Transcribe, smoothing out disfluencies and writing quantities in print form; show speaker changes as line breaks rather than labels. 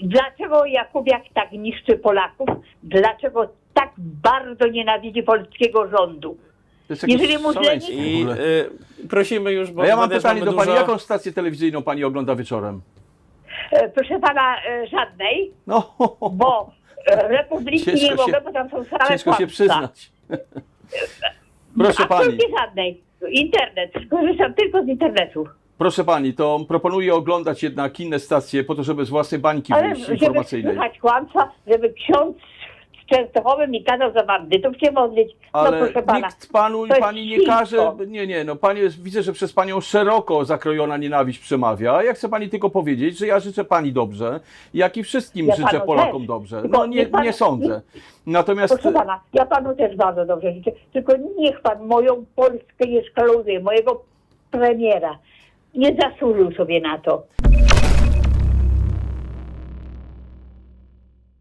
Dlaczego Jakubiak tak niszczy Polaków? Dlaczego tak bardzo nienawidzi polskiego rządu?
To jest jakieś
Jeżeli mu źle
szaleństwo
nie...
w
I
ogóle.
prosimy już, bo
A ja mam
też
pytanie
mamy
do pani,
dużo...
jaką stację telewizyjną pani ogląda wieczorem?
Proszę pana, żadnej,
No,
bo Republiki
Ciężko
nie
się-
mogę, bo tam są same
ciężko się
kłamstwa.
przyznać. Proszę pani,
Absolutnie żadnej. Internet, korzystam tylko z internetu.
proszę pani, to proponuję oglądać jednak inne stacje po to, żeby z własnej bańki
Ale
wyjść
żeby
informacyjnej.
słychać kłamstwa, żeby ksiądz z Częstochowy mi kazał za bandytów się modlić, no
Ale
proszę pana.
nikt panu i
to jest
pani nie
świństwo.
każe. Nie, no pani jest, widzę, że przez panią szeroko zakrojona nienawiść przemawia. A ja chcę pani tylko powiedzieć, że ja życzę pani dobrze, jak i wszystkim
Ja
życzę
panu
Polakom
też.
dobrze.
Tylko
No
niech pan-
nie sądzę. Natomiast
Proszę pana, ja panu też bardzo dobrze życzę, tylko niech pan moją Polskę nie szkaluje, mojego premiera. Nie zasłużył sobie na to.